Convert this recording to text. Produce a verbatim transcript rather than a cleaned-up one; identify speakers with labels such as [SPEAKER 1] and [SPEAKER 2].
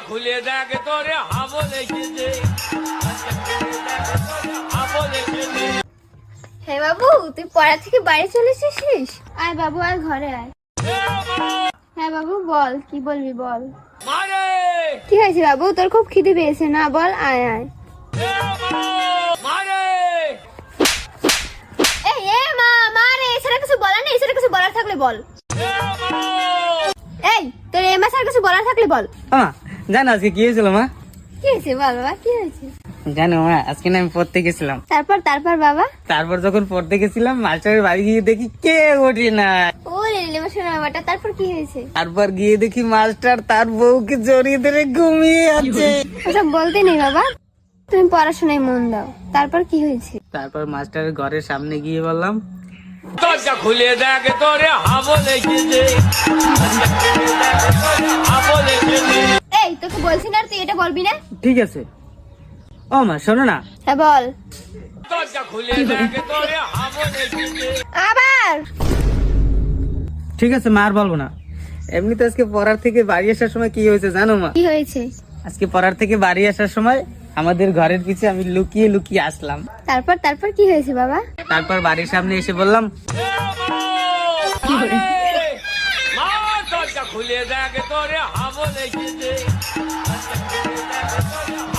[SPEAKER 1] খুলে দেখ তোরে হাবো লেগেছে হাবো লেগেছে।
[SPEAKER 2] হে বাবু, তুই পড়া থেকে বাড়ি চলে এসেছিস? আয় বাবু, আয় ঘরে আয়। হ্যাঁ বাবু, বল, কি বলবি বল।
[SPEAKER 1] মারে
[SPEAKER 2] কি হয়েছে বাবু, তোর খুব খিদে পেয়েছে না? বল, আয় আয়।
[SPEAKER 1] মারে
[SPEAKER 2] এই এ মা, মা রে, এছাড়া কিছু বলার নেই? এছাড়া কিছু বলার থাকলে বল। এই, তোর এ মা ছাড়া কিছু বলার থাকলে বল।
[SPEAKER 3] মা জানো আজকে কি হয়েছিল মা?
[SPEAKER 2] কি হয়েছে বল বাবা, কি হয়েছে?
[SPEAKER 3] জানো মা, আজকে না আমি পড়তে গেছিলাম।
[SPEAKER 2] তারপর তারপর বাবা?
[SPEAKER 3] তারপর যখন পড়তে গেছিলাম মাস্টারের বাড়ি গিয়ে দেখি কে ওঠে না।
[SPEAKER 2] ও রে রে শোনা বাবাটা, তারপর কি হয়েছে?
[SPEAKER 3] তারপর গিয়ে দেখি মাস্টার তার বউকে জড়িয়ে ধরে ঘুমিয়ে আছে।
[SPEAKER 2] ওসব বলতে নেই বাবা, তুমি পড়াশোনায় মন দাও। তারপর কি হয়েছে?
[SPEAKER 3] তারপর মাস্টারের ঘরের সামনে গিয়ে বললাম,
[SPEAKER 1] দরজা খুলে দেখ তোরে হাবো লেগেছে হাবো লেগেছে।
[SPEAKER 2] এই, তোকে বলছি না তুই এটা বলবি না?
[SPEAKER 3] ঠিক আছে। ও মা শোনো না।
[SPEAKER 2] হ্যাঁ বল।
[SPEAKER 1] দরজা খুলে দেখ তোরে হাবো লেগেছে।
[SPEAKER 2] আবার?
[SPEAKER 3] ঠিক আছে মা, আর বলবো না। এমনিতে আজকে পড়ার থেকে বাড়ি আসার সময় কি হয়েছে জানো মা?
[SPEAKER 2] কি হয়েছে?
[SPEAKER 3] আজকে পড়ার থেকে বাড়ি আসার সময় আমাদের ঘরের পিছে আমি লুকিয়ে লুকিয়ে আসলাম।
[SPEAKER 2] তারপর তারপর কি হয়েছে বাবা?
[SPEAKER 3] তারপর বাড়ির সামনে এসে বললাম,
[SPEAKER 1] মারে মা, দরজা খুলে দেখ তোরে হাবো লেগেছে